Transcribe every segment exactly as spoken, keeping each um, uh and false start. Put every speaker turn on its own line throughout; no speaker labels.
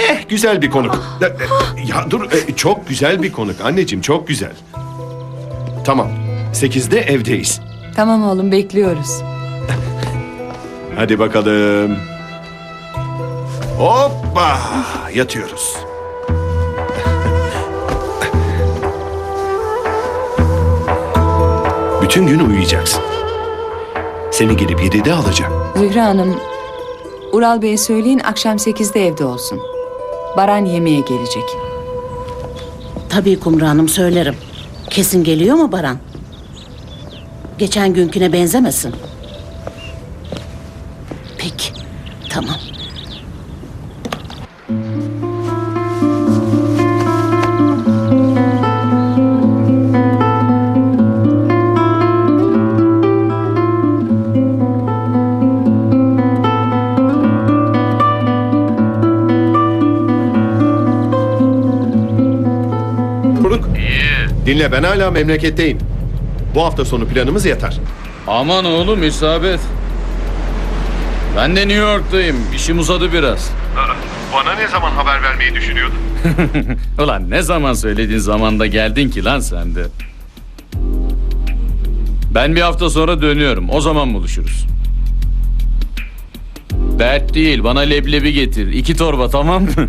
Eh, güzel bir konuk. Ya, ya dur, e, çok güzel bir konuk anneciğim, çok güzel. Tamam, sekizde evdeyiz.
Tamam oğlum, bekliyoruz.
Hadi bakalım. Hoppa, yatıyoruz. Bütün gün uyuyacaksın. Seni gelip yedide alacağım.
Zühre Hanım, Ural Bey'e söyleyin akşam sekizde evde olsun. Baran yemeğe gelecek.
Tabii Kumru Hanım, söylerim. Kesin geliyor mu Baran? Geçen günküne benzemesin. Peki, tamam.
Konuk. Dinle, ben hala memleketteyim. Bu hafta sonu planımız yatar.
Aman oğlum, isabet. Ben de New York'tayım. İşim uzadı biraz.
Bana ne zaman haber vermeyi düşünüyordun?
Ulan ne zaman söylediğin zamanda geldin ki lan sen de. Ben bir hafta sonra dönüyorum. O zaman buluşuruz. Dert değil. Bana leblebi getir. İki torba, tamam mı?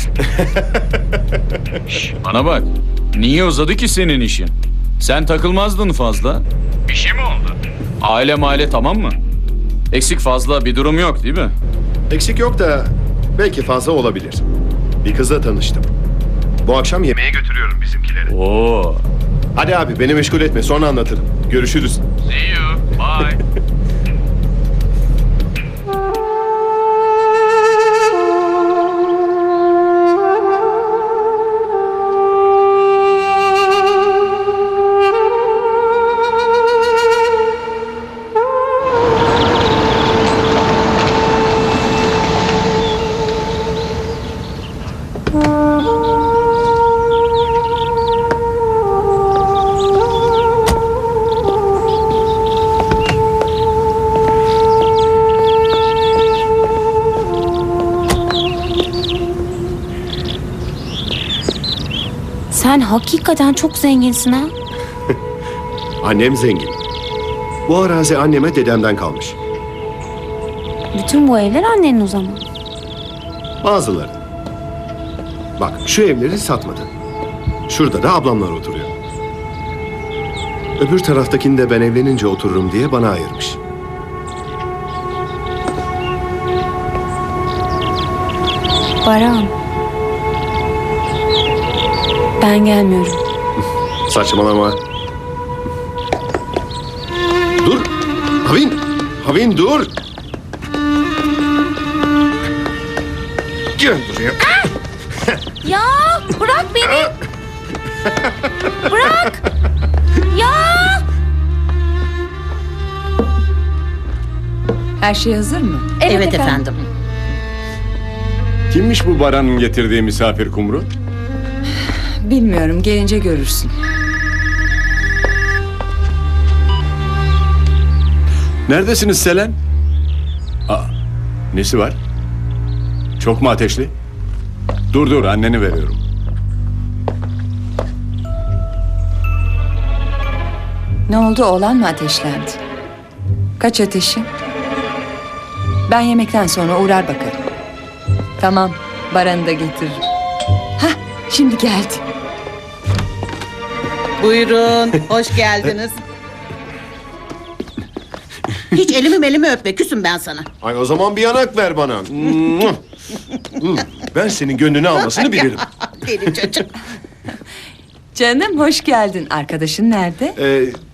Şş, bana bak. Niye uzadı ki senin işin? Sen takılmazdın fazla. Bir şey mi oldu? Aile maile tamam mı? Eksik fazla bir durum yok değil mi?
Eksik yok da belki fazla olabilir. Bir kızla tanıştım. Bu akşam yemeğe götürüyorum bizimkileri.
Oo.
Hadi abi, beni meşgul etme, sonra anlatırım. Görüşürüz.
See you. Bye.
Sen hakikaten çok zenginsin ha.
Annem zengin. Bu arazi anneme dedemden kalmış.
Bütün bu evler annenin o zaman.
Bazıları. Bak, şu evleri satmadı. Şurada da ablamlar oturuyor. Öbür taraftakini de ben evlenince otururum diye bana ayırmış.
Baran. Ben gelmiyorum.
Saçmalama. Dur. Havin. Havin dur. Gel buraya.
Ya bırak beni. Bırak. Ya.
Her şey hazır mı?
Evet, efendim.
Kimmiş bu Baran'ın getirdiği misafir Kumru?
Bilmiyorum, gelince görürsün.
Neredesiniz Selen? Aa, nesi var? Çok mu ateşli? Dur dur, anneni veriyorum.
Ne oldu, oğlan mı ateşlendi? Kaç ateşi? Ben yemekten sonra uğrar bakarım. Tamam, Baran'ı da getiririm. Hah, şimdi geldi.
Buyurun, hoş geldiniz. Hiç elimi melimi öpme, küsüm ben sana.
Ay, o zaman bir yanak ver bana. Ben senin gönlünü almasını bilirim.
Deli çocuk.
Canım, hoş geldin. Arkadaşın nerede?
Ee,